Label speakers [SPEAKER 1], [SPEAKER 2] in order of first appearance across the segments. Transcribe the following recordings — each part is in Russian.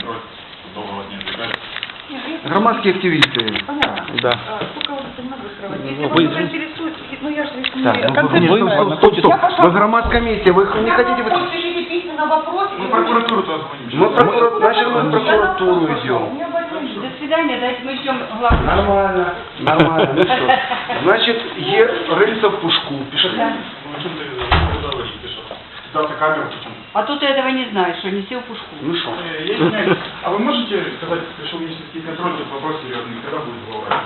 [SPEAKER 1] планировать долго вас не отвлекали.
[SPEAKER 2] Громадские активисты.
[SPEAKER 3] Понятно.
[SPEAKER 4] Да.
[SPEAKER 3] Сколько вас это надо скрывать? Если
[SPEAKER 4] Вы
[SPEAKER 3] вас
[SPEAKER 4] извините.
[SPEAKER 3] интересует, ну я же не
[SPEAKER 2] Так, ну,
[SPEAKER 3] конкретно.
[SPEAKER 2] вы громадская комиссия, вы не хотите...
[SPEAKER 3] Вы пишите письменно вопрос.
[SPEAKER 1] Мы в прокуратуру-то звоним.
[SPEAKER 2] Значит, мы в прокуратуру идем.
[SPEAKER 3] До свидания, дайте мы ждем главного.
[SPEAKER 2] Нормально, нормально. Ну что? Значит, рыльца в пушку. Пишите.
[SPEAKER 1] Ну, что ты говоришь, пишешь? Дата камеру почему?
[SPEAKER 3] А тут ты этого не знаешь, что не сел в пушку.
[SPEAKER 2] Ну что?
[SPEAKER 1] Я извиняюсь, а вы можете сказать, пришел министерский контроль, тут вопрос серьезный, когда будет глава?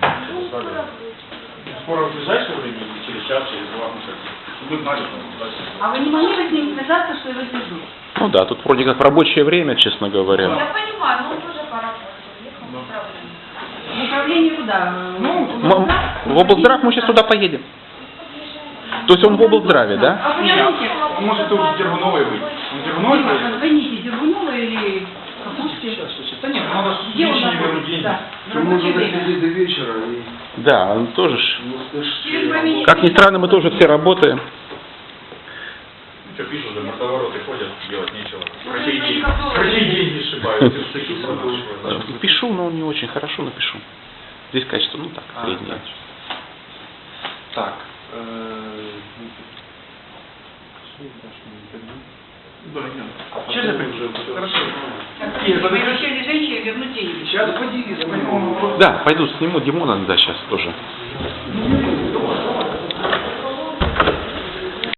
[SPEAKER 1] Скоро в ближайшее время, через час, через два, ну как, чтобы вы знали, что дальше.
[SPEAKER 3] А вы не могли бы с ним связаться, что его держу?
[SPEAKER 4] Ну да, тут вроде как рабочее время, честно говоря.
[SPEAKER 5] Я понимаю, но он тоже поработает. Ехал в управление.
[SPEAKER 3] В управление куда?
[SPEAKER 4] В облздрав мы сейчас туда поедем. То есть он в облздраве, да?
[SPEAKER 3] А понимаете?
[SPEAKER 1] Он может уже Дергуновой быть. Он Дергуновой будет?
[SPEAKER 3] Звоните Дергунова или Капушки.
[SPEAKER 1] Да нет, надо
[SPEAKER 3] Где он
[SPEAKER 1] лишние вернуть
[SPEAKER 3] находится?
[SPEAKER 1] деньги.
[SPEAKER 3] Да. в
[SPEAKER 2] Мы
[SPEAKER 3] рабочее
[SPEAKER 2] можем
[SPEAKER 3] время.
[SPEAKER 2] досидеть до вечера и...
[SPEAKER 4] Да, он тоже ж.
[SPEAKER 3] Через
[SPEAKER 4] Как ни странно, мы тоже все работаем.
[SPEAKER 1] Ну что, пишут, за мордовороты ходят, делать нечего. Врачей деньги сшибают.
[SPEAKER 4] Пишу, но не очень хорошо напишу. Здесь качество, ну так, среднее.
[SPEAKER 2] Так.
[SPEAKER 1] Честно, хорошо.
[SPEAKER 3] Вы обещали женщине вернуть деньги.
[SPEAKER 2] Сейчас поделись.
[SPEAKER 4] Да, пойду сниму Димона, да, сейчас тоже.